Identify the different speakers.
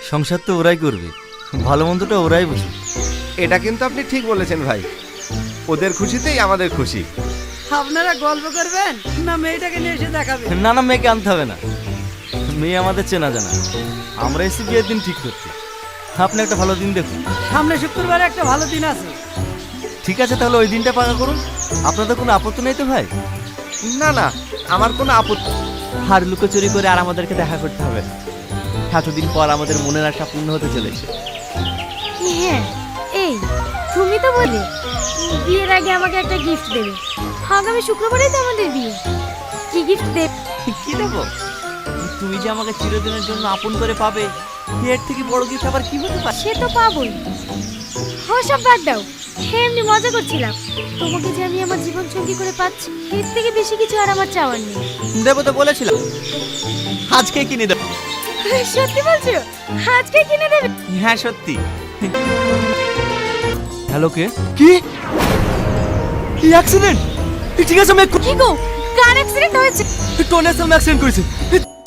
Speaker 1: সংসার তো ওরাই করবে, ভালো মন্দটা ওরাই বুঝবে।
Speaker 2: এটা কিন্তু আপনি ঠিক বলেছেন ভাই, ওদের খুশিতেই আমাদের খুশি।
Speaker 3: আপনারা গল্প করবেন না মেয়েটাকে নিয়ে এসে দেখাবেন?
Speaker 1: না না, মেয়েকে আনতে হবে না, মেয়ে আমাদের চেনা জানা, আমরা এসে বিয়ের দিন ঠিক করছি। আপনি একটা ভালো দিন দেখুন।
Speaker 3: সামনে শুক্রবারে একটা ভালো দিন আছে।
Speaker 1: ঠিক আছে, তাহলে ওই দিনটা পাকা করুন। আপনাদের কোনো আপত্তি নেই তো ভাই?
Speaker 2: না না, আমার কোনো আপত্তি।
Speaker 4: আর লুকোচুরি করে আর আমাদেরকে দেখা করতে হবে না। এতদিন পর আমাদের মনের আশা পূর্ণ হতে চলেছে।
Speaker 5: হ্যাঁ, এই তুমি তো বলে বিয়ের আগে আমাকে একটা গিফট দেবে। আগামী শুক্রবারেই তো আমাদের বিয়ে। কি গিফট দেবে?
Speaker 4: কি দেবো? তুমি যে আমাকে চিরদিনের জন্য আপন করে পাবে, এর থেকে বড় গিফট আবার কি হতে পারে?
Speaker 5: সে তো পাবোই। সব বাদ দাও, এমনি মজা করছিলাম। তোমাকে যে আমি আমার জীবন সঙ্গী করে পাচ্ছি, এর থেকে বেশি কিছু আর আমার চাওয়ার নেই।
Speaker 4: দেবো তো বলেছিলাম, আজকে কিনে দেবো।
Speaker 5: সত্যি বলছো? আজকে কিনে দেবে?
Speaker 4: হ্যাঁ সত্যি।
Speaker 1: হ্যালো, কে? কি কি অ্যাক্সিডেন্ট? ঠিক আছে, আমি
Speaker 5: কি গো, কার অ্যাক্সিডেন্ট হয়েছে?
Speaker 1: টনি অ্যাক্সিডেন্ট করেছে।